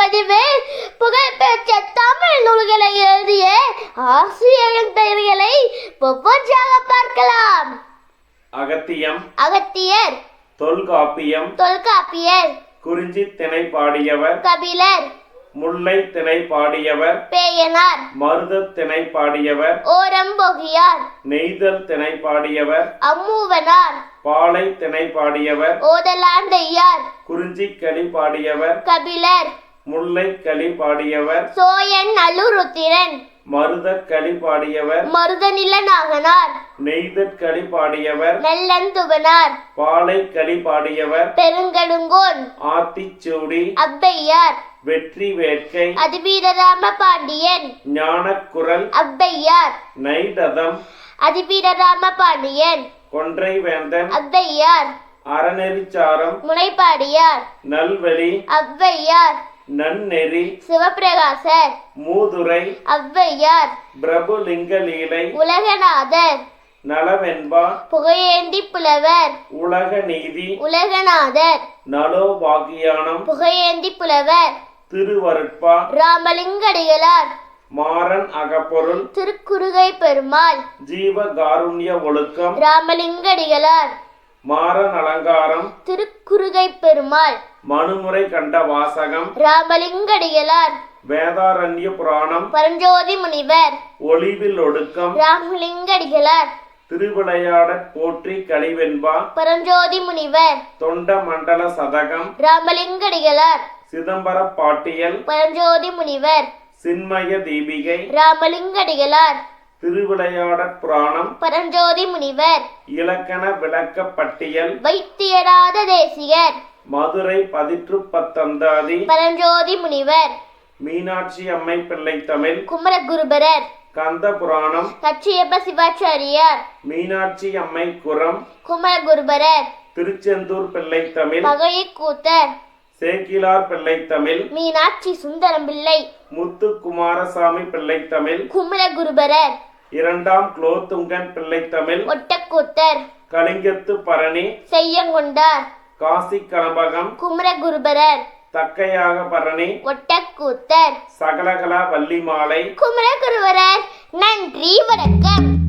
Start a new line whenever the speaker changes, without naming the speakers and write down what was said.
பதிவில் புகழ்பெற்ற தமிழ் நூல்களை எழுதிய ஆசிரியரின் பெயர்களை ஒவ்வொன்றாக பார்க்கலாம்.
அகத்தியம்,
அகத்தியர்.
தொல்காப்பியம்,
தொல்காப்பியர்.
குறிஞ்சி திணை பாடியவர்
கபிலர்.
முல்லை திணை பாடியவர்
பேயனார்.
மருத திணை பாடியவர்
ஓரம்பொகியார்.
நெய்தல் திணை பாடியவர்
அம்மூவனார்.
பாலை திணை பாடியவர்
ஓதலாந்தையார்.
குறிஞ்சி களி பாடியவர்
கபிலர்.
முல்லை களி பாடியவர்
சோயன் அலுருத்திரன்.
மருத களி பாடியவர்
மருதநில நாகனார்.
நெய்தற் களி பாடியவர்
நெல்லந்துவனார்.
பாலை களி பாடியவர்
பெருங்கடுங்கோன்.
ஆத்திச்சூடி
அப்பையார்.
வெற்றி வேட்கை
அதிவீரராம பாண்டியன்.
ஞானக்குரல்
அப்பையார்.
நைடதம்
அதிவீரராம பாண்டியன்.
கொன்றை வேந்தன்
அப்பையார்.
அறநெறிச்சாரம்
முனைப்பாடியார்.
நல்வழி
அவ்வையார்.
நன்னெறி
சிவபிரகாசர்.
மூதுரை
அவ்வையார்.
பிரபுலிங்க லீலை
உலகநாதர்.
நலவென்பா
புகையேந்தி புலவர்.
உலக நீதி
உலகநாதர்.
நலோபாகியானம்
புகையேந்தி புலவர்.
திருவருட்பா
ராமலிங்கடிகளார்.
மாறன் அகப்பொருள்
திருக்குறுகை பெருமாள்.
ஜீவகாருண்ய ஒழுக்கம்
ராமலிங்கடிகளார்.
மாறன் அலங்காரம்
திருக்குறுகை பெருமாள்.
மனுமுறை கண்ட வாசகம்
ராமலிங்கடிகளார்.
வேதாரண்ய புராணம்
பரஞ்சோதி முனிவர்.
ஒளிவில் ஒடுக்கம்
ராமலிங்கடிகளார்.
திருவிளையாடற் போற்றி கலிவென்பா
பரஞ்சோதி முனிவர்.
தொண்ட மண்டல சதகம்
ராமலிங்கடிகளார்.
சிதம்பர பாட்டியல்
பரஞ்சோதி முனிவர்.
சின்மய தீபிகை
ராமலிங்கடிகளார்.
திருவிளையாடற் புராணம்
பரஞ்சோதி முனிவர்.
இலக்கண விளக்க பட்டியல்
வைத்தியராத தேசிகர்.
மதுரை பதிற்று பத்தந்தாதி
பரஞ்சோதி முனிவர்.
மீனாட்சி அம்மை பிள்ளை தமிழ்
குமரகுருபரர்.
கந்த புராணம்
கச்சியப்ப சிவாச்சாரியார்.
மீனாட்சி அம்மை குரம்
குமரகுருபரர்.
திருச்செந்தூர் பிள்ளை தமிழ்
பகையக்கூத்தர்.
சேக்கிலார் பிள்ளை தமிழ்
மீனாட்சி சுந்தரம் பிள்ளை.
முத்து குமாரசாமி பிள்ளை தமிழ்
குமரகுருபரர்.
இரண்டாம் குலோத்துங்கன் பிள்ளை தமிழ்
ஒட்டக்கூத்தர்.
கலிங்கத்து பரணி
செய்யங்கொண்டார்.
காசி கலம்பகம்
குமரகுருபரர்.
தக்கையாக பரணி
ஒட்டக்கூத்தர்.
சகலகலா வள்ளி மாலை
குமரகுருபரர். நன்றி, வணக்கம்.